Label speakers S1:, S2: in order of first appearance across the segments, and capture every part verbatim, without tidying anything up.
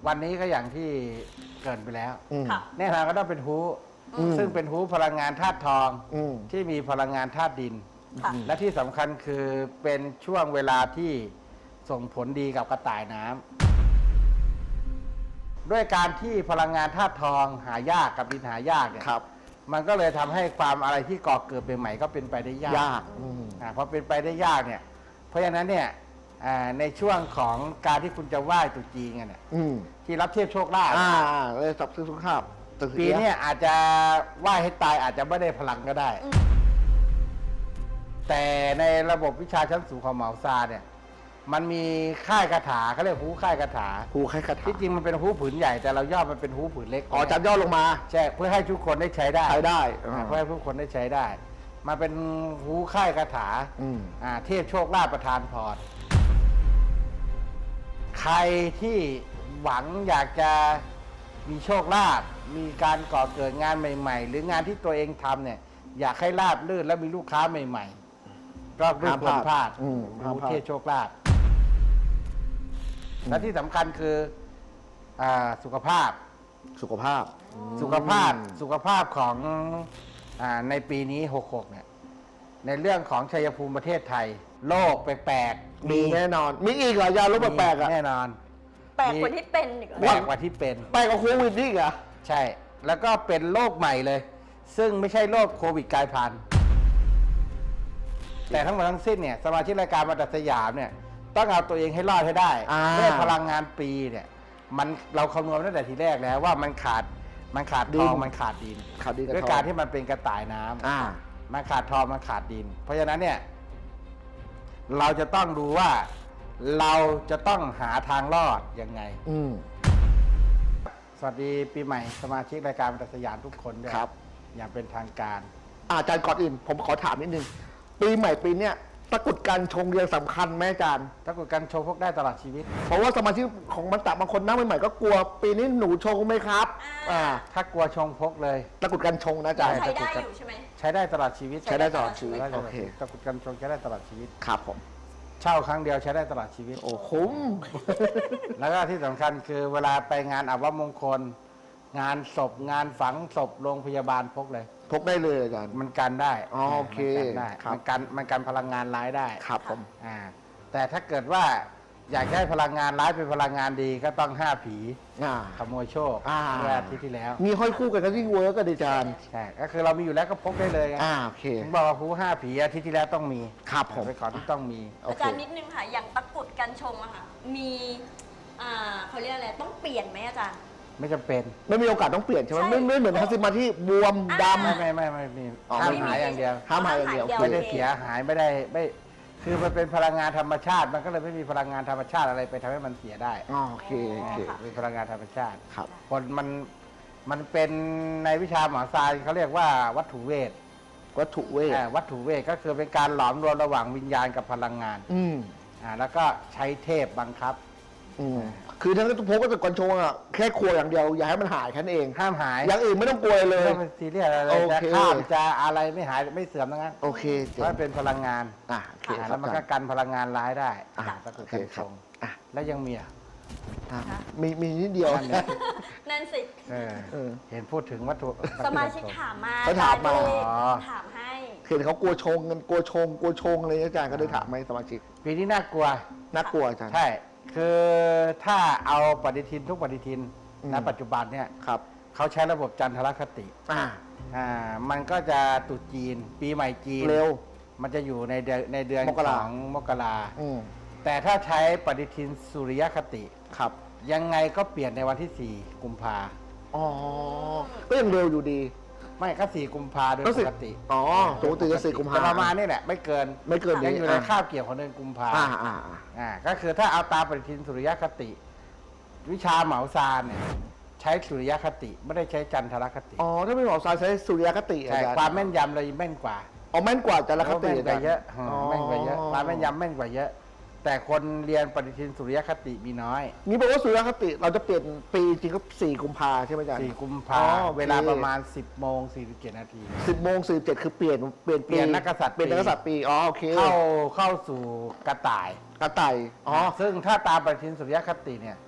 S1: วันนี้ก็อย่างที่เกริ่นไปแล้ว
S2: ค่ะ
S1: แน่นอนก็ต้องเป็นฮูซึ่งเป็นฮูพลังงานธาตุทองที่มีพลังงานธาตุดิน
S2: ค่ะ
S1: และที่สำคัญคือเป็นช่วงเวลาที่ส่งผลดีกับกระต่ายน้ำด้วยการที่พลังงานธาตุทองหายากกับดินหายากเนี่ยมันก็เลยทำให้ความอะไรที่ก่อเกิดใหม่ๆก็เป็นไปได้ยาก
S3: ยาก
S1: อ่าพอเป็นไปได้ยากเนี่ยเพราะฉะนั้นเนี่ยอ่าในช่วงของการที่คุณจะไหว้ตรุษจีนกันเนี่ย
S3: อืม
S1: ที่รับเทียบโชคลาภ
S3: อ่าเลยสับซื้อสุขภาพ
S1: ปีเนี้อาจจะไหว้ให้ตายอาจจะไม่ได้พลังก็ได้ แต่ในระบบวิชาชั้นสูงของเหมาซาเนี่ยมันมีค่ายคาถาเขาเรียกฮู้ค่ายคาถา
S3: ครูให้คาถา
S1: ที่จริงมันเป็นฮู้ผืนใหญ่แต่เราย่อมันเป็นฮู้ผืนเล็ก
S3: อ๋อจับย่อลงมา
S1: ใช่เพื่อให้ทุกคนได้ใช้ได้
S3: ใช้ได้
S1: อ่าเพื่อให้ทุกคนได้ใช้ได้มาเป็นฮู้ค่ายคาถา
S3: อืม
S1: อ่าเทพโชคลาภประทานพรใครที่หวังอยากจะมีโชคลาภมีการก่อเกิดงานใหม่ๆ หรืองานที่ตัวเองทำเนี่ยอยากให้ราบรื่นและมีลูกค้าใหม่ๆก็ไม่ควรพลาด
S3: อืม
S1: รู้เทพโชคลาภและที่สำคัญคืออาสุขภาพ
S3: สุขภาพ
S1: สุขภาพสุขภาพของอาในปีนี้หกหกเนี่ยในเรื่องของชัยภูมิประเทศไทย โรคแปลกๆ
S3: มีแน่นอน มีอีกเหรอยาลดแปลกๆอ่ะ
S1: แน่นอน
S2: แปลกกว่าที่เป็นอีกเหรอ
S1: แปลกกว่าที่เป็น
S3: แปลกกว่าโควิดนี่อีกเหรอ
S1: ใช่ แล้วก็เป็นโรคใหม่เลย ซึ่งไม่ใช่โรคโควิดกลายพันธุ์แต่ทั้งหมดทั้งสิ้นเนี่ยสมาชิกรายการมาตัดสยามเนี่ยต้องเอาตัวเองให้รอดให้ได้
S3: อ่า
S1: ด้วยพลังงานปีเนี่ยมันเราคำนวณตั้งแต่ทีแรกแล้วว่ามันขาดมันขาดทองมันขาดดิน
S3: ข่าวดีกับ
S1: ด้วย
S3: ทอง
S1: การที่มันเป็นกระต่ายน้ำ
S3: อ่า
S1: มันขาดทองมันขาดดิน เพราะฉะนั้นเนี่ยเราจะต้องดูว่าเราจะต้องหาทางรอดยังไง
S3: อืม
S1: สวัสดีปีใหม่สมาชิกรายการบรรทัดสยามทุกคนด้วย
S3: ครับ
S1: อย่างเป็นทางการ
S3: อาจารย์ก่อนอื่น ผมขอถามนิดนึง ปีใหม่ปีเนี้ยตะกรุดการชงเรียงสำคัญไหมอาจารย์
S1: ถ้าเกิดการโชว์พวกได้ตลอดชีวิต
S3: เพราะว่าสมาชิกของมันตะบางคนนั่งใหม่ๆก็กลัว ปีนี้หนูชงไหมครับ อ่า
S1: ถ้ากลัวชงพกเลย
S3: ตะกรุดการชงนะอาจารย์
S2: ใช้ได้อยู่ใช่ไหม
S1: ใช้ได้ตลอดชีวิต
S3: ใช้ได้ตลอดชีวิต
S1: ใช้ได้ตลอด
S3: โอเค
S1: ตะกรุดกันชงใช้ได้ตลอดชีวิต
S3: ครับผม
S1: เช่าครั้งเดียวใช้ได้ตลอดชีวิต
S3: โอ้คุ้ม
S1: แล้วก็ที่สำคัญคือเวลาไปงานอัปมงคล งานศพงานฝังศพโรงพยาบาลพกเลย
S3: พกได้เลยอาจารย์
S1: มันกันได้
S3: อ๋อโอเค
S1: มันกันได้
S3: ครับ
S1: มันกันมันกันพลังงานร้ายได้
S3: ครับผม
S1: อ่าแต่ถ้าเกิดว่าอยากให้พลังงานร้ายเป็นพลังงานดีก็ต้องห้าผี
S3: อ่า
S1: ขโมยโชค
S3: อ่า
S1: เมื่ออาทิตย์ที่แล้ว
S3: มีห้อยคู่กันก็ยิ่งเวิร์กก็ดีอาจารย์
S1: ใช่ก็คือเรามีอยู่แล้วก็พกได้เลยไง
S3: อ่าโอเค
S1: ผมบอกว่าฮูห้าผีอาทิตย์ที่แล้วต้องมี
S3: ครับผม
S1: ไปก่อนที่ต้องมี
S3: โอ
S2: อา
S3: เค
S2: จารย์นิดนึงค่ะ อย่างตะกรุดกันชงอะค่ะ มีอ่าเขาเรียกอะไร ต้องเปลี่ยนไหมอาจารย์
S1: ไม่จำเป็น
S3: ไม่มีโอกาสต้องเปลี่ยนใช่ไหม
S2: ใช่
S3: ไม่ไม่เหมือนทัศมาที่บวมด
S2: อ่า
S1: ไม่ไม่ไม่ไม่มี
S3: อ๋อ
S1: ห้าม
S3: ไม่มี
S1: หายอย่างเดียว
S3: ห้ามหายอย่างเดียว
S2: ห้ามหาย
S1: ไม่ได้
S2: โอเค
S1: เสียหายไม่ได้ไม่คือมันเป็นพลังงานธรรมชาติ มันก็เลยไม่มีพลังงานธรรมชาติอะไรไปทำให้มันเสียได้
S3: ำอ๋อโอเคโอเค
S1: เป็นพลังงานธรรมชาติ
S3: ครับ
S1: คนมันมันเป็นในวิชาหมอซายเขาเรียกว่าวัตถุเวท
S3: วัตถุเวท
S1: อ่าวัตถุเวทก็คือเป็นการหลอมรวมระหว่างวิญญาณกับพลังงาน
S3: อืม
S1: อ่าแล้วก็ใช้เทพบังคับ
S3: อืมคือทั้งพกก็จะก่อนชงอ่ะแค่ครัวอย่างเดียวอย่าให้มันหายแค่นั้นเอง
S1: ห้ามหาย
S3: อย่างอื่นไม่ต้องกลัวเลย
S1: ไม่ต้องเป็นซีเรียสอะไรเลย
S3: โอ
S1: จะ
S3: เค
S1: ข้ามจะอะไรไม่หายไม่เสื่อมทั้งนั้น
S3: โอเค
S1: เพ
S3: เจ๋ง
S1: ราะมันเป็นพลังงาน
S3: อ่ะโอเค
S1: อ่า
S3: ครั
S1: แล้
S3: บ
S1: วมัน
S3: อา
S1: ก็
S3: จารย์
S1: กันพลังงานร้ายได้
S3: อ่ะ
S1: ก็คือ
S3: โอเค
S1: กัน
S3: ค
S1: ช
S3: รับ
S1: ง
S3: อ่ะ
S1: แล้วยังมีอ่ะ
S3: อ่ะมีมีนิดเดียว
S1: นั่นเนี่ย
S2: นั่นสิ
S1: เออ
S3: เออ
S1: เห็นพูดถึงวัตถุ
S2: สมาชิกถามมา
S3: เขาถามมา
S2: อจรย์ก็เลย
S1: อ๋อ
S2: ถามให้
S3: เห็นเขากลัวชงกันกลัวชงกลัวชงอะไรอาจารย์ก็เลยถามไหมสมาชิก
S1: ปีนี้น่ากลัว
S3: น่ากลัวอาจารย์
S1: ใช่ คือถ้าเอาปฏิทินทุกปฏิทิน
S3: อืม
S1: ณปัจจุบันเนี่ย
S3: ครับ
S1: เขาใช้ระบบจันทรคติ
S3: อ่า
S1: อ่ามันก็จะตรุษจีน ปีใหม่จีน
S3: เร็ว
S1: มันจะอยู่ในเดือนในเดือน
S3: มกรา
S1: ของมกรา
S3: อืม
S1: แต่ถ้าใช้ปฏิทินสุริยคติ
S3: ครับ
S1: ยังไงก็เปลี่ยนในวันที่สี่กุมภา
S3: อ๋อก็ยังเร็วอยู่ดี
S1: ไม่ก็สี่กุมภาโดย
S3: ก็
S1: ป
S3: สิ
S1: กติ
S3: อ๋อปกติจะสี่กุมภา
S1: แต่ประมาณนี้แหละไม่เกิน
S3: ไม่เกิน
S1: ยัง
S3: นี้
S1: อยู่ใน
S3: อ่ะ
S1: คาบเกี่ยวของเดือนกุมภา
S3: อ่าอ่าอ่า
S1: อ่าก็คือถ้าเอาตามปฏิทินสุริยคติ วิชาเหมาซานเนี่ยใช้สุริยคติไม่ได้ใช้จันทรคติ
S3: อ๋อถ้าเป็นหมอสายใช้สุริยคติอา
S1: ใช่
S3: จารย์
S1: ความแม่นยำเลยแม่นกว่า
S3: อ๋อแม่นกว่าจันทรคติ
S1: แม่นกว่าเยอะ
S3: อ๋อ
S1: แม่นกว่าเยอะความแม่นยำแม่นกว่าเยอะ แต่คนเรียนปฏิทินสุริยคติมีน้อย
S3: นี่บอกว่าสุริยคติเราจะเปลี่ยนปีจริงก็สี่กุมภาใช่ไหมอาจารย์
S1: สี่กุม
S3: อ๋
S1: ภา
S3: อโอเค
S1: เวลาประมาณสิบโมงสี่สิบเจ็ดนาที
S3: สิบโมงสี่เจ็ดคือเปลี่ยนเปลี่ยน
S1: เปลี่ยนนักกษัตริย์
S3: เปลี่ยนนักกษัตริย์ปีอ๋อโอเค
S1: เข้าเข้าสู่กระต่าย
S3: กระต่ายอ๋อ
S1: ซึ่งถ้าตามปฏิทินสุริยคติเนี่ย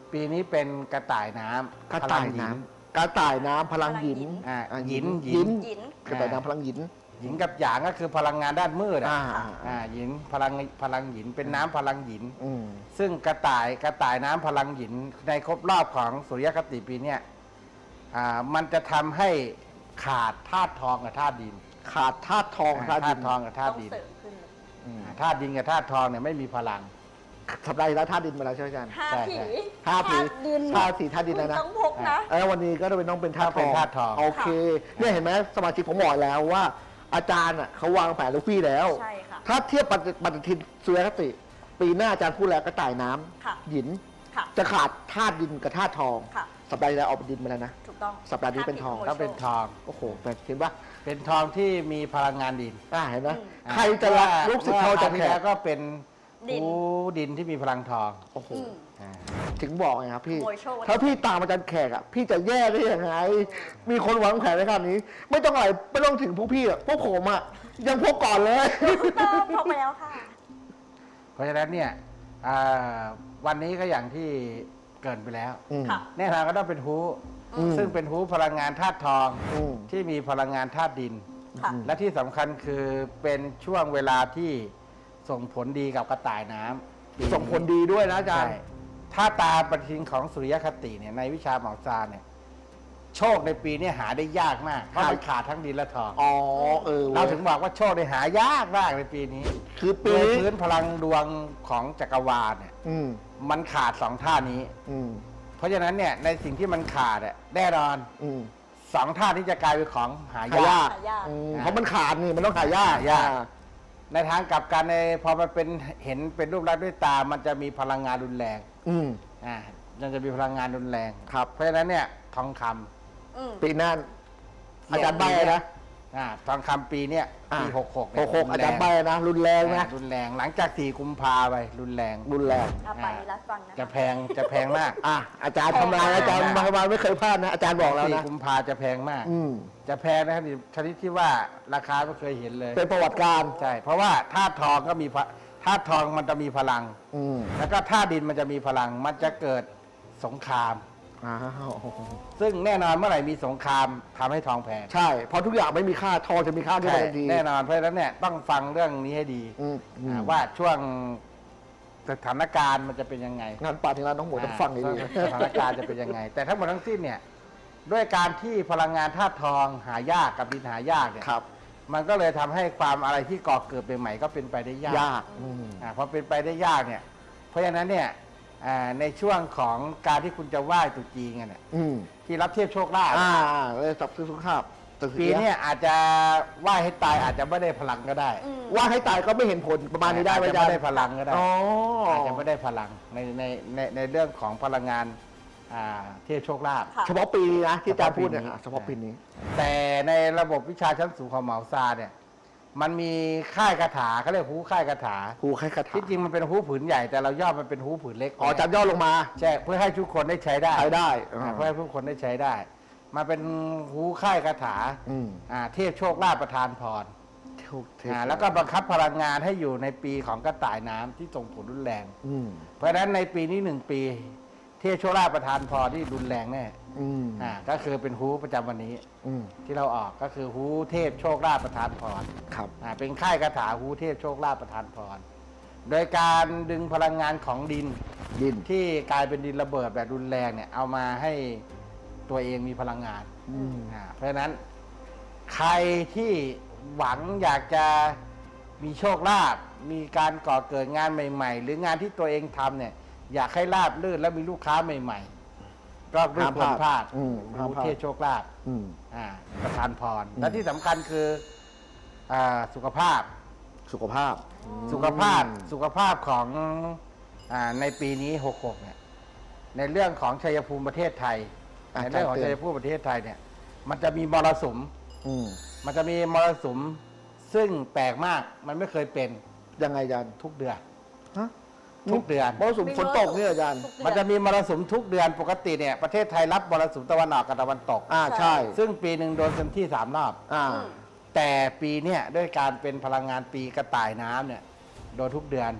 S1: ปีนี้เป็นกระต่ายน้ำ
S3: กระต่าย
S1: พลังหญิ
S3: น้
S1: ง
S3: ำกระต่ายน้ำพลังหยิน
S1: อ่า
S3: อ่า
S1: หยิน
S3: หยิน
S2: หยิน
S3: กระต่ายน้ำพลังหยิน
S1: หญิงกับหยางก็คือพลังงานด้านมืด
S3: อ่า
S1: อ่ะอ่าหญินพลังพลังหญินเป็นน้ำพลังหญิน
S3: อืม
S1: ซึ่งกระต่ายกระต่ายน้ำพลังหญินในครบรอบของสุริยคติปีเนี้ยอ่ามันจะทำให้ขาดธาตุทองกับธาตุดิน
S3: ขาดธาตุทอง
S1: ธา
S3: ธาตุดิ
S1: ตุ
S3: น
S1: ทองกับธา
S2: ต้
S1: ตุ
S2: อง
S1: ดิน
S2: เสริมขึ้นเลย
S3: อืม
S1: อ่าธาตุดินกับธาตุทองเนี่ยไม่มีพลัง
S3: สัปดาห์ที่แล้วธาตุดินมาแล้วใช่ไหมอาจารย์
S2: ห้า
S1: ใช่
S2: ผี
S1: ใช่
S3: ห้าผี
S2: ธตุดิน
S3: ธาตุสีธาตุดินแล้วนะ
S2: คุณต้องพกนะ
S3: แล้ววันนี้ก็จะเป็นต้องเป็นธาตุท
S1: เป็
S3: อน ง
S1: ธาตุทอง
S3: โอเคเนี่ยเห็นไหมสมาชิกผมบอกแล้วว่า อาจารย์อ่ะเขาวางแผนลูกพี่แล้ว
S2: ใช่ค่ะ
S3: ถ้าเทียบปฏิปฏิทินสุริยคติ ปีหน้าอาจารย์พูดแล้วกระต่ายน้ำ
S2: ค่ะ
S3: หยิน
S2: ค่ะ
S3: จะขาดธาตุดินกับธาตุทอง
S2: ค่ะ
S3: สัปดาห์ที่แล้วเอาดินมาแล้วนะ
S2: ถูกต้อง
S3: สัปดาห์นี้เป็นทอง
S2: ห้า
S1: ก็
S2: ผี
S1: เป็นทอง
S3: โอ้โหแต่เห็นปะ
S1: เป็นทองที่มีพลังงานดิน
S3: อ่าเห็นไหม
S2: อืม
S1: อ่า
S3: ใครจะรักลูกศิษย์เขาจะ
S1: มื่อครวที่
S3: แข
S1: แล้
S3: ก
S1: วก็เป็น
S2: ดิน
S1: หูดินที่มีพลังทอง
S3: โอ้โห
S2: อืม
S1: อ่า
S3: ถึงบอกไงครับพี่
S2: ขโมยโชค
S3: ถ้าพี่ตามอาจารย์แขกอ่ะพี่จะแย่ได้ยังไง มีคนวางแผนในขนาดนี้ ไม่ต้องอะไรไม่ต้องถึงพวกพี่อ่ะพวกผมอ่ะยังพวกก่อนเลย
S2: ถูกต้องพกไปแล้วค่ะ
S1: เพราะฉะนั้นเนี่ยอ่าวันนี้ก็อย่างที่เกรินไปแล้ว
S3: อืม
S2: ค่ะ
S1: แน่นอนก็ต้องเป็นฮู
S3: อืม
S1: ซึ่งเป็นฮูพลังงานธาตุทอง
S3: อืม
S1: ที่มีพลังงานธาตุดิน
S2: ค่ะ
S1: และที่สำคัญคือเป็นช่วงเวลาที่ส่งผลดีกับกระต่ายน้ำปีนี้
S3: ส่งผลดีด้วยนะอาจาร
S1: ใช่
S3: ย์
S1: ถ้าตามปฏิทินของสุริยคติเนี่ยในวิชาหมอซาเนี่ยโชคในปีนี้หาได้ยากมากเพราะมันขาดทั้งดินและทอง
S3: อ๋อเออ
S1: เราถึงบอกว่าโชคได้หายากมากในปีนี้
S3: คือ
S1: โด
S3: ปี
S1: ย
S3: นี้
S1: พื้นพลังดวงของจักรวาลเนี่ย
S3: อืม
S1: มันขาดสองท่านี้
S3: อืม
S1: เพราะฉะนั้นเนี่ยในสิ่งที่มันขาดอะแน่นอน
S3: อืม
S1: สองท่าที่จะกลายเป็นของหา
S3: หาย
S1: าย
S3: าก ก
S2: หายาก
S3: อืม
S1: อ่า
S3: เพราะมันขาดนี่มันต้องหายาก
S1: หายาก ในทางกลับกันในพอมันเป็นเห็นเป็นรูปลักษณ์ด้วยตา มันจะมีพลังงานรุนแรง
S3: อืม
S1: อ่ามันจะมีพลังงานรุนแรง
S3: ครับ
S1: เพราะฉะนั้นเนี่ยทองคำ
S2: อืม
S3: ปีหน้าอาจารย์ใบนะ
S1: อ่าทองคำปีเนี้ยปี
S3: อ่า
S1: หกหก
S3: หกหกอาจารย์ใบนะ รุนแรงนะ
S1: รุนแรงหลังจากสี่กุมภาไปรุนแรง
S3: รุนแรง
S2: อาไปรัดฟังนะ
S1: จะ
S2: คะ
S1: แพงจะแพงมาก
S3: อ่ะอาจารย์ทำลายอาจารย์มามาไม่เคยพลาดนะ อาจารย์บอกแล้ว
S1: สี่
S3: นะ
S1: กุมภาจะแพงมาก
S3: อืม
S1: จะแพงนะครับชนิดที่ว่าราคาไม่เคยเห็นเลย
S3: เป็นประวัติการณ์
S1: ใช่ เพราะว่าธาตุทองก็มีพะธาตุทองมันจะมีพลัง
S3: อืม
S1: แล้วก็ธาตุดินมันจะมีพลัง มันจะเกิดสงคราม
S3: อ้าว
S1: ซึ่งแน่นอนเมื่อไหร่มีสงครามทำให้ทองแพง
S3: ใช่ เพราะทุกอย่างไม่มีค่าทองจะมีค่าขึ้น
S1: ใช่
S3: มาทันที
S1: แน่นอนเพราะฉะนั้นเนี่ยต้องฟังเรื่องนี้ให้ดี
S3: อืมอืม
S1: อ่าว่าช่วงสถานการณ์มันจะเป็นยังไง
S3: งานป่าถึงร้านน้องหมวยต้องฟังดี
S1: สถานการณ์จะเป็นยังไง แต่ทั้งหมดทั้งสิ้นเนี่ยด้วยการที่พลังงานธาตุทองหายากกับดินหายากเนี่ย
S3: ครับ
S1: มันก็เลยทำให้ความอะไรที่ก่อเกิดใหม่ๆก็เป็นไปได้ยาก
S3: ยากอืม
S1: อ่าพอเป็นไปได้ยากเนี่ยเพราะฉะนั้นเนี่ยอ่าในช่วงของการที่คุณจะไหว้ตรุษจีนกันเนี่ย
S3: อืม
S1: ที่รับเทียบโชคลาภ
S3: อ่าเลยสับซื้อสุขภาพตึก
S1: ปีเนี้อาจจะไหว้ให้ตายอาจจะไม่ได้พลังก็ได้
S2: อืม
S3: ว่าให้ตายก็ไม่เห็นผลประมาณนี้ได้ไหม
S1: อาจ
S3: อา
S1: จะ
S3: จาร
S1: ไม่
S3: ย์
S1: ได้พลังก็ได้
S3: อ๋อ
S1: อาจจะไม่ได้พลังในในในในเรื่องของพลังงานอ่าเทียบโชคลาภ
S2: ค่ะ
S3: เฉพาะปีนี้นะที่อาจารย์พูดเนี่ย
S1: เฉพาะปีนี้
S3: อ่ะเฉพาะปีนี้
S1: แต่ในระบบวิชาชั้นสูงของเหมาซาเนี่ยมันมีค่ายคาถาเขาเรียกฮู้ค่ายคาถา
S3: ครูให้คาถา
S1: ที่จริงมันเป็นฮู้ผืนใหญ่แต่เราย่อมันเป็นฮู้ผืนเล็ก
S3: อ๋ออาจารย์ย่อลงมา
S1: ใช่เพื่อให้ทุกคนได้ใช้ได้
S3: ใช้ได้
S1: อ่าเพื่อให้ทุกคนได้ใช้ได้ มาเป็นฮู้ค่ายคาถา
S3: อืม
S1: อ่าเทพโชคลาภประทานพร
S3: เทวเทพ
S1: อ่าแล้วก็บังคับพลังงานให้อยู่ในปีของกระต่ายน้ำที่ส่งผลรุนแรง
S3: อืม
S1: เพราะฉะนั้นในปีนี้หนึ่งปี เทพโชคลาภประทานพรที่รุนแรงแน่
S3: อืม
S1: อ่าก็คือเป็นฮู้ประจำวันนี้
S3: อืม
S1: ที่เราออกก็คือฮู้เทพโชคลาภประทานพร
S3: ครับ
S1: อ่าเป็นค่ายคาถาฮู้เทพโชคลาภประทานพร โดยการดึงพลังงานของดิน
S3: ดิน
S1: ที่กลายเป็นดินระเบิดแบบรุนแรงเนี่ยเอามาให้ตัวเองมีพลังงาน
S3: อืม
S1: อ่าเพราะฉะนั้นใครที่หวังอยากจะมีโชคลาภมีการก่อเกิดงานใหม่ ๆ หรืองานที่ตัวเองทำเนี่ยอยากให้ราบรื่นและมีลูกค้าใหม่ ๆ ก็ไม่ควรพลาด
S3: อืมห้าม
S1: ฮู้
S3: พลาด
S1: เทพโชคลาภ
S3: อืม
S1: อ่าประทานพร
S3: อืม
S1: และที่สำคัญคืออาสุขภาพ
S3: สุขภาพ
S1: สุขภาพสุขภาพของอาในปีนี้หกหกเนี่ยในเรื่องของชัยภูมิประเทศไทย
S3: อ่ะ
S1: ในเรื่องของ
S3: อาจารย์
S1: ชัยภูมิประเทศไทยเนี่ยมันจะมีมรสุม
S3: อืม
S1: มันจะมีมรสุมซึ่งแปลกมากมันไม่เคยเป็น
S3: ยังไงอาจารย์
S1: ทุกเดือน
S3: ฮะ
S1: ทุกเดือน
S3: มรสุมฝนตกเนี่ยอาจารย์
S2: ทุกเดือ
S1: มันจะมีมรสุมทุกเดือนปกติเนี่ยประเทศไทยรับมรสุมตะวันออกกับตะวันตก
S3: อ่าใช่
S1: ซึ่งปีหนึ่งโดนเต็มที่สามรอบ
S3: อ่า
S2: อืม
S1: แต่ปีเนี่ยด้วยการเป็นพลังงานปีกระต่ายน้ำเนี่ยโดนทุกเดือน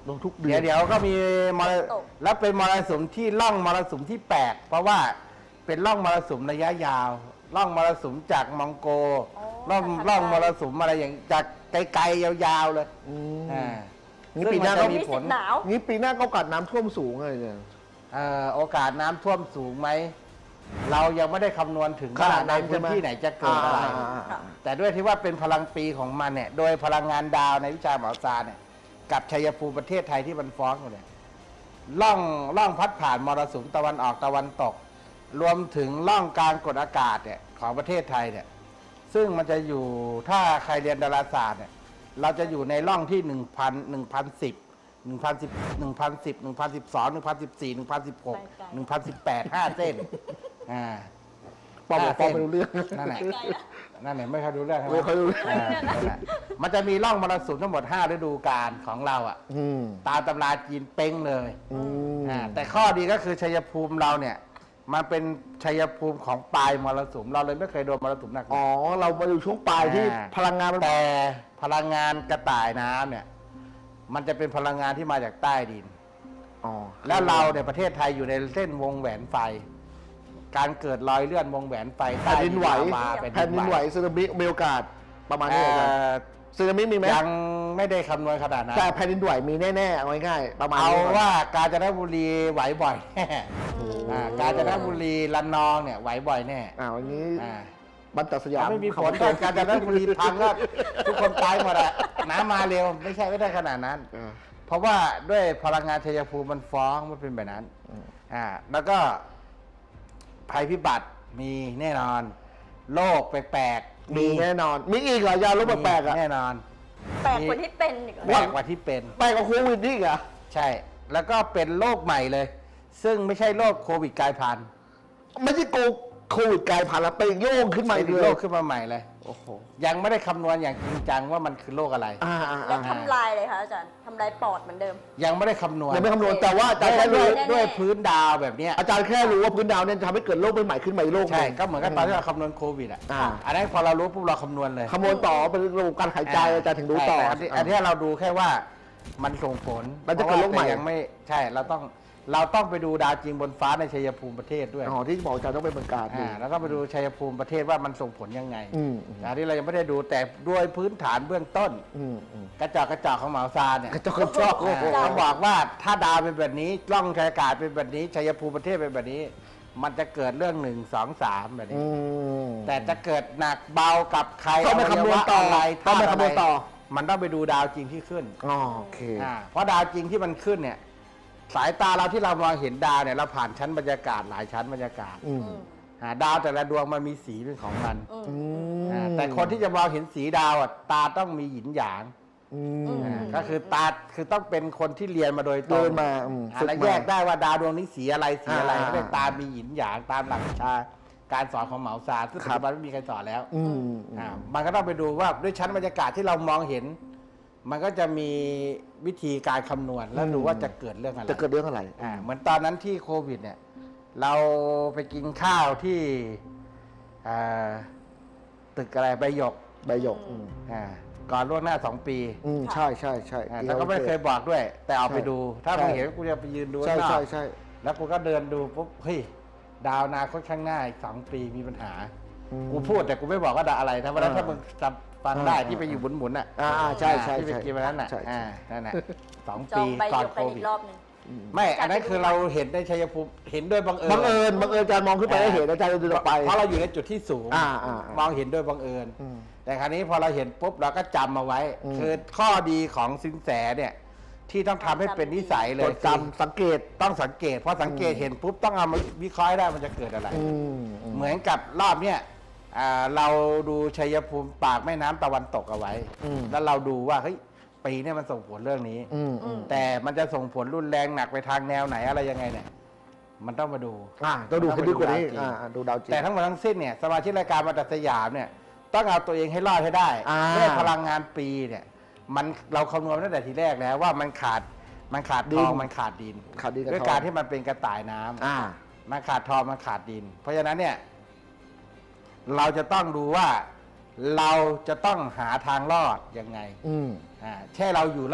S3: ลงทุกเดื
S1: เดี๋
S3: อย
S1: วน เดี๋ยวก็มีมร
S2: ตก
S1: แล้วเป็นมรสุมที่ล่องมรสุมที่แปลกเพราะว่าเป็นล่องมรสุมระยะยาวล่องมรสุมจากมองโก
S2: อ๋อ
S1: ล่อง
S2: จากทาง
S1: ล่อง
S2: ไกล
S1: มรสุมอะไรอย่างจากไกลๆยาวๆเลย
S3: อืม
S1: อ่า
S3: นี่
S1: ซึ่ง
S3: ปีหน้า
S1: มั
S3: ก็
S1: จะ
S2: มี
S1: มีผ
S2: สิ
S1: ล
S2: ทธิ์หนาว
S3: งี้ปีหน้าก็โอกาสน้ำท่วมสูงเลยเนี่ย
S1: เอ่อโอกาสน้ำท่วมสูงไหมเรายังไม่ได้คำนวณถึง
S3: ข
S1: ว่า
S3: นาด
S1: ใน
S3: นั้น
S1: พื้น
S3: ใช่ไหม
S1: ที่ไหนจะเกิดอะไร
S3: อ่า
S2: ค่ะ
S1: แต่ด้วยที่ว่าเป็นพลังปีของมันเนี่ย โดยพลังงานดาวในวิชาหมอซาเนี่ย กับชัยภูมิประเทศไทยที่มันฟ้องอยู่เนี่ยล่องล่องพัดผ่านมรสุมตะวันออกตะวันตก รวมถึงล่องการกดอากาศเนี่ยของประเทศไทยเนี่ย ซึ่งมันจะอยู่ถ้าใครเรียนดาราศาสตร์เนี่ย เราจะอยู่ในร่องที่หนึ่งพันหนึ่งพันสิบหนึ่งพันสิบหนึ่งพันสิบหนึ่งพันสิบสองหนึ่งพันสิบสี่หนึ่งพันสิบหกหนึ่งพันสิบแปดห้าเส้นอ่า
S3: ปอบอกปอไม่รู้เรื่อง
S1: นั่นแหละ
S2: ไกลละ
S1: นั่นแหละไม่ค่อยรู้เรื่องใช่ไหม
S3: ไม่ค่อยรู้เรื่อง
S1: านั่นแหละมันจะมีร่องมรสุมทั้งหมดห้าฤดูกาลของเราอ่ะ
S3: อืม
S1: ตามตำราจีนเป้งเลย
S3: อืม
S1: อ่าแต่ข้อดีก็คือชัยภูมิเราเนี่ย มันเป็นชัยภูมิของปลายมรสุมเราเลยไม่เคยโดนมรสุมหนักๆ
S3: อ๋อ เรามาอยู่ช่วงปลายที่
S1: อ่า
S3: พลังงานมัน
S1: แต่พลังงานกระต่ายน้ำเนี่ย มันจะเป็นพลังงานที่มาจากใต้ดิน
S3: อ๋อ
S1: แล้วเราเนี่ยประเทศไทยอยู่ในเส้นวงแหวนไฟ การเกิดรอยเลื่อนวงแหวนไฟ
S3: แผ่นดินไหว
S1: ใต้ลาวา
S3: แผ่นดินไหวสึนามิมีโอกาสประมาณนี้
S1: เอ่
S3: เหรอครับ
S1: อ
S3: สึนามิมีไหม
S1: ยังไม่ได้คำนวณขนาดนั้น
S3: แต่แผ่นดินไหวมีแน่ๆเอาง่ายๆประมาณ
S1: เอา
S3: นี้ก่น
S1: ว่ากาญจนบุรีไหวบ่อยแน่อ่ากาญจนบุรีระนองเนี่ยไหวบ่อยแน่
S3: อ่าวันนี้
S1: อ่า
S3: บันตัดสยาม
S1: ถ้าไม่มีฝนก็กาญจนบุรีพังก็ทุกคนตายหมดอะน้ำมาเร็วไม่ใช่ไม่ได้ขนาดนั้น
S3: อ่า
S1: เพราะว่าด้วยพลังงานชัยภูมิมันฟ้องมันเป็นแบบนั้น
S3: อืม
S1: อ่า แล้วก็ภัยพิบัติมีแน่นอน โรคแปลกๆ
S3: มีแน่นอน มีอีกเหรอยาลบแปลกๆอ่ะ
S1: แน่นอน
S2: แปลกกว่าที่เป็นอีกเหรอ
S1: แปลกกว่าที่เป็น
S3: แปลกกว่าโควิดนี่อีกเหรอ
S1: ใช่ แล้วก็เป็นโรคใหม่เลย ซึ่งไม่ใช่โรคโควิดกลายพันธุ์
S3: ไม่ใช่โกโควิดกลายพันธุ์แล้วเป็นโยงขึ้นมา
S1: เป็
S3: อีก
S1: น
S3: เล
S1: โร
S3: ย
S1: คขึ้นมาใหม่เลย
S3: โอ้โห
S1: ยังไม่ได้คำนวณอย่างจริงจังว่ามันคือโรคอะไร
S3: อ่าอ่า
S2: แล้ว
S3: อ่า
S2: ทำลายเลยคะอาจารย์ทำลายปอดเหมือนเดิม
S1: ยังไม่ได้คำนวณ
S3: ยังไม่คำนวณแต่ว่าอาจารย์แค่
S1: ด้
S3: รู้
S1: วย
S2: แน่ๆ
S1: ด้วยพื้นดาวแบบเนี้ย
S3: อาจารย์แค่รู้ว่าพื้นดาวเนี่ยจะทำให้เกิดโรคใหม่ๆขึ้นมาอีกโรคห
S1: ใช่
S3: นึ่ง
S1: ก็เหมือนกับตอนที่เราคำนวณโควิดอ่ะ
S3: อ่า
S1: อันนั้นพอเรารู้ปุ๊บเราคำนวณเลย
S3: คำนวณต่อเป็นระบบการหายใจอาจารย์ถึงรู้ต่อ
S1: ใช่แต่นนี้อันนี้เราดูแค่ว่ามันส่งผล
S3: มันจะเกิดโรคใหม่
S1: พาะว่าแต่ยังไม่ใช่เราต้องเราต้องไปดูดาวจริงบนฟ้าในชัยภูมิประเทศด้วย
S3: อ๋อที่บอกอาจารย์ต้องไปเมืองการดู
S1: อ่าแล้วก็ไปดูชัยภูมิประเทศว่ามันส่งผลยังไง
S3: อืมอืม
S1: อันนี้เรายังไม่ได้ดูแต่ด้วยพื้นฐานเบื้องต้น
S3: อืมอืม
S1: กระจอกกระจอกของเหมาซานเนี่ย
S3: กระจอกกระจอกโอ้โห
S1: อ่าต้องบอกว่าถ้าดาวเป็นแบบนี้ล่องอากาศเป็นแบบนี้ชัยภูมิประเทศเป็นแบบนี้ มันจะเกิดเรื่องหนึ่งสองสามแบบ
S3: อื
S1: นี้
S3: ม
S1: แต่จะเกิดหนักเบากับใคร
S3: ต้องไปคำนวณต่อ
S1: อะไร
S3: ต้องไปคำนวณต่อ
S1: มันต้องไปดูดาวจริงที่ขึ้น
S3: อ๋อโอเค
S1: อ่าเพราะดาวจริงที่มันขึ้นเนี่ย สายตาเราที่เรามองเห็นดาวเนี่ยเราผ่านชั้นบรรยากาศหลายชั้นบรรยากาศ
S3: อืม
S2: อืม
S1: อ่าดาวแต่ละดวงมันมีสีเป็นของมัน
S2: อืม
S3: อืม
S1: อ่าแต่คนที่จะมองเห็นสีดาวอ่ะตาต้องมีหยินหยาง
S3: อืม
S1: อ่าก็คือตาคือต้องเป็นคนที่เรียนมาโดยตร
S3: เดิ
S1: ง
S3: นมาอืม
S1: อ่า
S3: ฝึก
S1: แล้ว
S3: มา
S1: แยกได้ว่าดาวดวงนี้สีอะไรสีอะไร
S3: อ่า
S1: ก็เลยตามีหยินหยางตามหลักวิชาการสอนของเหมาซานซึ่งปัจจุบันไม่มีใครสอนแล้ว
S3: อืม
S1: อ่ามันก็ต้องไปดูว่าด้วยชั้นบรรยากาศที่เรามองเห็น มันก็จะมีวิธีการคำนวณแล้วดูว่าจะเกิดเรื่องอะไร
S3: จะเกิดเรื่องอะไร
S1: อ่าเหมือนตอนนั้นที่โควิดเนี่ย เราไปกินข้าวที่อ่าตึกอะไรใบหยก
S3: ใบหยกอืม
S1: อ่าก่อนล่วงหน้าสองปี
S3: อืมใช่ใช่ใช่
S1: อ่าแล้วก็ไม่เคยบอกด้วย แต่เอาไปดู ถ้า
S3: ใช่
S1: มึงเห็นกูจะไปยืนดู
S3: ใช่
S1: ข้างนอก
S3: ใช่ใช่
S1: แล้วกูก็เดินดูปุ๊บเฮ้ยดาวอนาคตข้างหน้าอีกสองปีมีปัญหา
S3: อืม
S1: กูพูดแต่กูไม่บอกว่าดาวอะไรถ้าวันนั้น
S3: อ่า
S1: ถ้ามึงจำฟังได้
S3: อ่า
S1: ที่ไปอยู่หมุนๆอ่ะ
S3: อ่าใช่ใช่
S1: ที่ไป
S3: ใช่
S1: กินวันนั้นอ่ะ
S3: ใช่ใช่
S1: อ่านั่นแหละสอง
S2: จอ
S1: ปี
S2: งใบ
S1: ก่อ
S2: เดี
S1: น
S2: ยว
S1: โค
S2: กันอี
S1: วิด
S2: กรอบหนึ่ง
S1: ไม่ อันนั้นคือเราเห็นในชัยภูมิเห็นด้วยบังเอิญ
S3: บังเอิญบังเอิญอาจารย์มองขึ้นไปแล้วเห็นอาจารย์เดินออกไป
S1: เพราะเราอยู่ในจุดที่สูง
S3: อ่าอ่าอ่าม
S1: องเห็นด้วยบังเอิญ
S3: อืม
S1: แต่คราวนี้พอเราเห็นปุ๊บเราก็จำมาไว้
S3: อืม
S1: คือข้อดีของสินแสเนี่ย ที่ต้องทำให้เป็นนิสัยเล
S3: จ
S1: ย
S3: ดจำสังเกต
S1: ต้องสังเกตพอสังเกตเห็นปุ๊บต้องเอามาวิเคราะห์ให้ได้มันจะเกิดอะไร
S3: อืมอืม
S1: เหมือนกับรอบเนี้ยอ่าเราดูชัยภูมิปากแม่น้ำตะวันตกเอาไว้
S3: อืม
S1: แล้วเราดูว่าเฮ้ยปีเนี้มันส่งผลเรื่องนี้
S3: อืมอืม
S1: แต่มันจะส่งผลรุนแรงหนักไปทางแนวไหนอะไรยังไงเนี่ย มันต้องมาดู
S3: อ่าต้องดูให้ดีกว่านี้
S1: ต้องไปดูดาวจริง
S3: อ่าอ่าดูดาวจริง
S1: แต่ทั้งหมดทั้งสิ้นเนี่ยสมาชิกรายการมาตัดสยามเนี่ย ต้องเอาตัวเองให้รอดให้ได้
S3: อ่า
S1: ด้วยพลังงานปีเนี่ย มันเราคำนวณตั้งแต่ทีแรกแล้วว่ามันขาดมันขาดทองมันขาดดิน
S3: ขาดดินกับ
S1: ด้วย
S3: ทอง
S1: การที่มันเป็นกระต่ายน้ำ
S3: อ่า
S1: มันขาดทองมันขาดดิน เพราะฉะนั้นเนี่ย เราจะต้องดูว่าเราจะต้องหาทางรอดยังไง
S3: อืม
S1: อ่าแค่เราอยู่รอด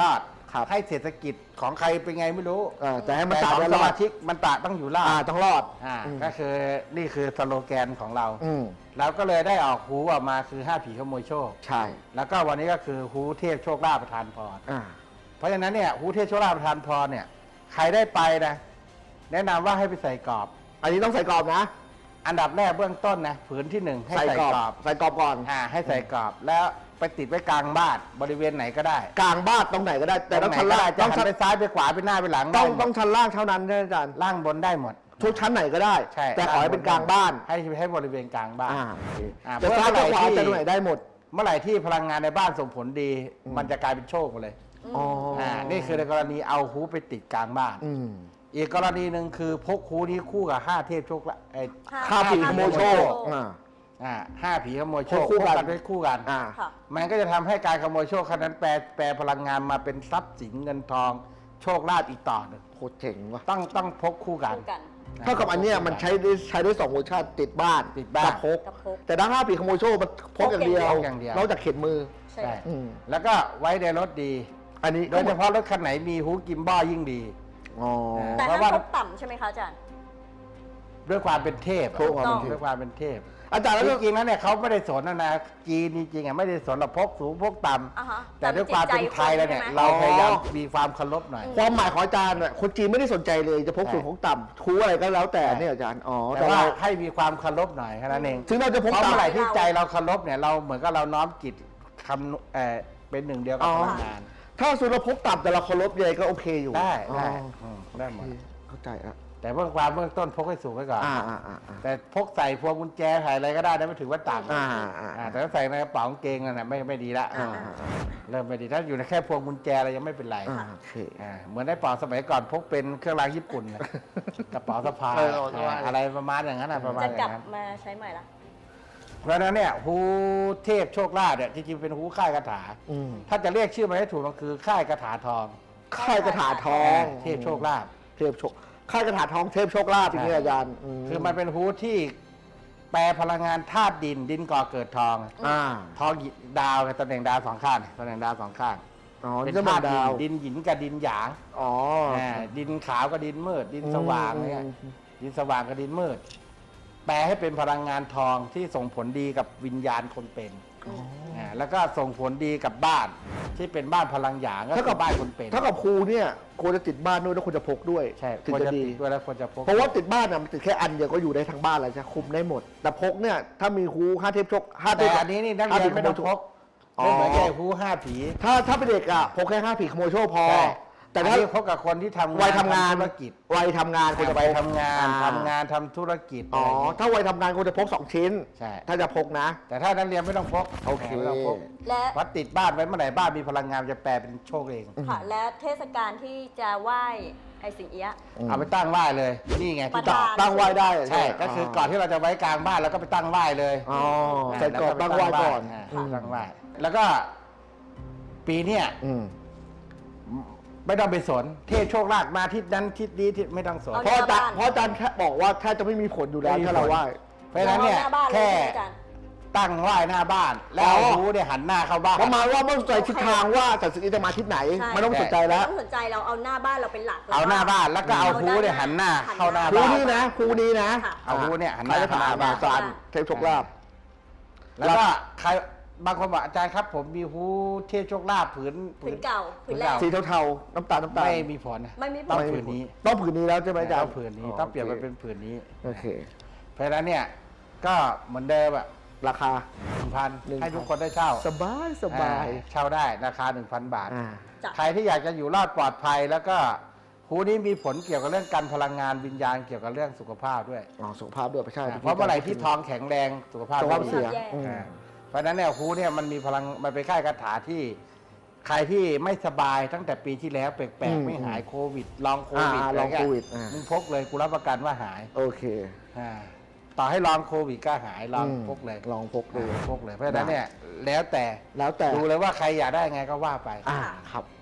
S3: ครับ
S1: ให้เศรษฐกิจของใครเป็นไงไม่รู้
S3: เออแต่ให้มัน
S1: แต่
S3: ตา
S1: ของ
S3: ได้
S1: ส
S3: รอ
S1: มา
S3: ด
S1: ชิกมันตะต้องอยู่รอด
S3: อ่าต้องรอด
S1: อ่า
S3: อืม
S1: ก็คือนี่คือสโลแกนของเรา
S3: อืม
S1: เราก็เลยได้ออกฮูออกมาคือห้าผีขโมยโชค
S3: ใช่
S1: แล้วก็วันนี้ก็คือฮูเทพโชคลาภประทานพร
S3: อ่า
S1: เพราะฉะนั้นเนี่ยฮูเทพโชคลาภประทานพรเนี่ยใครได้ไปนะแนะนำว่าให้ไปใส่กรอบ
S3: อันนี้ต้องใส่กรอบนะ
S1: อันดับแรกเบื้องต้นนะผืนที่หนึ่งให้
S3: ใส่
S1: ใส่
S3: กรอบ
S1: กรอบ
S3: ใส่กรอบก่อน
S1: อ่าให้ใส่กรอบแล้วไปติดไว้กลางบ้านบริเวณไหนก็ได้
S3: กลางบ้านตรงไหนก็ได้ แต่ต้อง
S1: ร
S3: ชั้น
S1: ไหก็
S3: ล่า
S1: ได้
S3: ง
S1: จะ
S3: ต้อง
S1: หัน
S3: ชั้น
S1: ไปซ้ายไปขวาไปหน้าไปหลัง
S3: ต้อง
S1: ได้หมด
S3: ต้องชั้นล่างเท่านั้นใช่ไหมอาจารย์
S1: ล่างบนได้หมด
S3: ทุกชั้นไหนก็ได้
S1: ใช่
S3: แต่ขอให้เป็นกลางบ้าน
S1: ให้ให้บริเวณกลางบ้าน
S3: อ่าโอเค
S1: อ่า
S3: จะซ้ายจะขวา
S1: เพื่ออะไรที่
S3: จะตรงไหนได้หมด
S1: เมื่อไหร่ที่พลังงานในบ้านส่งผลดี
S3: อืม
S1: มันจะกลายเป็นโชคหมดเลย
S3: อ๋อ
S1: อ่านี่คือในกรณีเอาฮูไปติดกลางบ้าน
S3: อืม
S1: อีกกรณีหนึ่งคือพกฮูนี้คู่กับห้าเทพโชคละไอ้
S3: ข้าผีขโมยโชคอ่า
S1: อ่าห้าผีขโมยโชค
S3: พกคู่กัน
S1: ไว้คู่กัน
S3: อ่า
S2: ค่ะ
S1: มันก็จะทำให้การขโมยโชคครั้งนั้นแปลแปลพลังงานมาเป็นทรัพย์สินเงินทองโชคลาภอีกต่อหนึ่ง
S3: โคตรเจ๋งว่ะ
S1: ต้องต้องพกคู่กัน
S2: คู่กัน
S3: เท่ากับอันเนี้ยมันใช้ได้ใช้ได้สองเวอร์ชันติดบ้าน
S1: ติดบ้าน
S3: กับพก
S2: กับพก
S3: แต่ด้านห้าผีขโมยโชคมันพกอย่างเดียว
S1: พกอย่างเดียว
S3: นอกจากเข็นมือ
S2: ใช่
S1: ใช่
S3: อืม
S1: แล้วก็ไว้ในรถดี
S3: อันนี้
S1: โดยเฉพาะรถคันไหนมีฮูกิมบ้ายิ่งดี
S3: อ๋อ
S2: แต่
S1: เพ
S2: ห้า
S1: ราะว่า
S2: มพกต่ำใช่ไหมคะอาจารย์
S1: ด้วยความเป็นเทพอะ
S3: พกความเป็นเทพ
S1: ด้วยความเป็นเทพ
S3: อาจารย์แล้ว
S1: จริงๆแล้วเนี่ยเขาไม่ได้สนนะนะจีนจริงๆอ่ะไม่ได้สนเราพกสูงพกต่
S2: อ่าฮะ
S1: ำแต่ด้วยความเป็นไทยแล้วเนี่ย
S2: แต่
S1: เรา
S2: มันจิตใจคนใช่ไหม
S1: พยายามมีความเคารพหน่อย
S3: ความหมายของอาจารย์น่ะคนจีนไม่ได้สนใจเลยจะพกสูง
S1: ใช่
S3: พกต่ำทูอะไรก็แล้วแต่
S1: ใช่
S3: เนี่ยอาจารย์อ๋อ
S1: แต่
S3: แต่
S1: ว่า
S3: ว่า
S1: ให้มีความเคารพหน่อยแค่นั้นเอง
S3: ถึงเราจะพก
S1: เพราะ
S3: ต่ำ
S1: เมื่อไหร่ที่ใจเราเคารพเนี่ยเราเหมือนกับเราน้อมจิตคำเอ่อเป็นหนึ่งเดียวกับ
S3: อ๋อ
S1: พลังงาน
S3: ถ้าสูเราพกต่ำแต่เราเคารพยังไงก็โอเคอยู่
S1: ได้
S3: อ๋อ
S1: ได้อืมได้หม
S3: โอ
S1: ด
S3: เคเข้าใจอ่ะ
S1: แต่เบื้องความเบื้องต้นพกให้สูงไว้ก่อน
S3: อ่าอ่าอ่าอ่า
S1: แต่พกใส่พวงกุญแจใส่อะไรก็ได้นะไม่ถือว่าต่ำ
S3: อ่าอ่า
S1: อ่าแต่ถ้าใส่ในกระเป๋ากางเกงนั่นนะไม่ไม่ดีละ
S3: อ่า
S1: เริ่มไม่ดีถ้าอยู่ในแค่พวงกุญแจอะไรยังไม่เป็นไร
S3: อ่าโอเค
S1: อ่าเหมือนในเป๋าสมัยก่อนพกเป็นเครื่องรางญี่ปุ่นนะกระเป๋าสะพาย
S3: เออเอาสะพาย
S1: อ่าอะไรประมาณอย่างนั้นนะประมาณ
S2: จะ
S1: อก
S2: ลั
S1: ย่า
S2: บ
S1: งนั้น
S2: มาใช้ใหม่ละ
S1: เพราะฉะนั้นเนี่ยฮูเทพโชคลาภเนี่ยจริงๆเป็นฮูค่ายคาถา
S3: อืม
S1: ถ้าจะเรียกชื่อมันให้ถูกมันคือค่ายคาถาทอง
S3: ค่ายกระถาทอง
S1: เทพโชคลาภ
S3: เทพโชคค่ายกระถาทองเทพโชคลาภอย่างนี้อาจารย์
S1: คือมันเป็นฮูที่แปลพลังงานธาตุดินดินก่อเกิดทอง
S3: อ่า
S1: ทองหยิดาวกับตำแหน่งดาวสองข้างตำแหน่งดาวสองข้าง
S3: อ๋อ
S1: เป็น
S3: จะ
S1: ธา
S3: มา
S1: ตุดิ
S3: ดาน ว
S1: ดินหยินกับดินหยาง
S3: อ๋อ
S1: อ่าดินขาวกับดินมืด ดินสว่างเนี่ย
S3: อืม
S1: ดินสว่างกับดินมืด แปลให้เป็นพลังงานทองที่ส่งผลดีกับวิญญาณคนเป็นอ่าแล้วก็ส่งผลดีกับบ้านที่เป็นบ้านพลังหยางก็
S3: เท่า
S1: คื
S3: กับ
S1: อบ้านคนเป็น
S3: เท่ากับครูเนี่ยควรจะติดบ้านด้วยแล้วควรจะพกด้วย
S1: ใช่
S3: ถึง
S1: ควร
S3: จะ
S1: จะ
S3: ดี
S1: ติดด้วยแล้วควรจะพก
S3: เพราะว่าติดบ้านน่ะมันติดแค่อันเดียวก็อยู่ได้ทั้งบ้านแล้วจะคุมได้หมด แต่พกเนี่ยถ้ามีครูห้าเทพโชคห้าเท
S1: แต่
S3: พ
S1: อันนี้นี่นักเรียนไม่ต้องพก
S3: อ๋อ
S1: ไม่เหมือนแก่ฮูห้าผี
S3: ถ้าถ้าเป็นเด็กอ่ะพกแค่ห้าผีขโมยโชคพอ
S1: ใช่
S3: แต่
S1: แต่
S3: ถ้า
S1: ถ้าพกกับคนที่ทำงาน
S3: วัยทำงาน
S1: ธุรกิจ
S3: วัยทำงานควรจะ
S1: ไป
S3: พก
S1: ทำงาน
S3: อ่
S1: ทำงานทำธุรกิจ
S3: อ๋อ
S1: อะไรอย่างเงี้ย
S3: ถ้าวัยทำงานควรจะพกสองชิ้น
S1: ใช่
S3: ถ้าจะพกนะ
S1: แต่ถ้านักเรียนไม่ต้องพก
S3: โอเค
S1: ไม่ต้องพก
S2: และ
S1: วัดติดบ้านไว้เมื่อไหร่บ้านมีพลังงานจะแปลเป็นโชคเอง
S2: ค่ะและเทศกาลที่จะไหว้ไอ้สิงเอี้ยะ
S3: อืม
S1: เอาไปตั้งไหว้เลย นี่ไงที่
S2: ประ
S1: ต่
S2: ดา
S1: อ
S3: ตั้งไหว้ได้
S1: ใช่ ก็คือก่อนที่เราจะไว้กลางบ้านเราก็ไปตั้งไหว้เลย
S3: อ๋อใส่กรอบตั้งไหว้ก่อน
S1: า
S3: อืม
S1: ตั้งไหว้แล้วก็ปีเนี้ย
S3: อืม
S1: ไม่ต้องไปสน เทพโชคลาภมาทิศนั้นทิศนี้ทิศไม่ต้องสน
S2: เอา
S3: เพราะอาจารย์
S2: บ้าน
S3: เพราะอาจารย์แค่บอกว่าแทบจะไม่มีผลอยู่แล้ว
S1: ไม่มี
S3: ถ้าเรา
S1: ผล
S3: ไหว้
S1: เพราะฉะนั้นเนี่ย
S2: อาหน้าบ้านเลย
S1: แค่
S2: ใช่ไหมอาจารย์
S1: ตั้งไหว้หน้าบ้าน แล้ว
S3: อ๋อ
S1: เอาหูเนี่ยหันหน้าเข้าบ้าน
S3: ประมาณว่าไม่ต้องสนใจทิศทางว่าจัดสิ่งนี้จะมาทิศไหน
S2: ใช่
S3: ไม่ต้องสนใจแล้ว
S2: ไม่ต้องสนใจเราเอาหน้าบ้านเราเป็นหลัก
S1: เอาหน้าบ้านแล้วก็เอาหูเนี่ยหันหน้าเข้าหน้า
S3: ครู
S1: บ้าน
S3: นี้นะครูนี้นะ
S2: ค่ะ
S1: เอาหูเนี่ยหันห
S3: ใคร
S1: น้า
S3: จะ
S1: เข้าห
S3: ถา
S1: น้าม บ้าน
S3: อาจารย์เทพโชคลาภ
S1: แล้วก็ใครบางคนบอกอาจารย์ครับ ผมมีหูเทพโชคลาภผืน
S2: ผืนเก่าผืนแร
S1: ผืน
S2: ก
S1: เก่า
S3: สีเทาๆน้ำตาลน้ำตาล
S1: ไม่มีผลนะ
S2: ไม่มีผล
S1: ต้องผืนนี้
S3: ต้องผืนนี้แล้วใช่ไหมอาจาร
S1: ต้
S3: ย์
S1: องผืนนี้ต้องเปลี่ยนมาเป็นผืนนี้
S3: โอเค
S1: เพราะฉะนั้นเนี่ยก็เหมือนเดิมอะ
S3: ราคา
S1: หนึ่งพัน
S3: หนึ่งพัน
S1: ให้ทุกคนได้เช่า
S3: สบายสบาย
S1: อ่เช่าได้ราคา หนึ่งพัน บาท
S3: อ่า
S2: จ้ะ
S1: ใครที่อยากจะอยู่รอดปลอดภัย แล้วก็หูนี้มีผลเกี่ยวกับเรื่องการพลังงานวิญญาณเกี่ยวกับเรื่องสุขภาพด้วย
S3: อ๋อสุขภาพด้วยไม่ใช่
S1: อ่าเพราะเมื่อไหร่ที่ทองแข็งแรงสุขภาพ
S3: สุขภาพ
S1: ไม่ดี
S3: เสีย
S2: แย่
S3: อืม
S1: อ่าเพราะฉะนั้นเนี่ยฮูเนี่ยมันมีพลังมันเป็นค่ายคาถาที่ใครที่ไม่สบายตั้งแต่ปีที่แล้วแปล
S3: อื
S1: ก
S3: ม
S1: ๆไม่หายโควิดลองโควิด
S3: อ่า
S1: อะไร
S3: ลอง
S1: เงี้
S3: โค
S1: ย
S3: วิดอ่ามึ
S1: มึงพกเลยกูรับประกันว่าหาย
S3: โอเค
S1: อ่าต่อให้ลองโควิดก็หายลอง
S3: อืม
S1: พกเลย
S3: ลองพกดู
S1: อ่าพกเลยเพราะฉะนั้นเนี่ยแล้วแต่
S3: แล้วแต่
S1: ดูเลยว่าใครอยากได้ไงก็ว่าไป
S3: อ่าครับ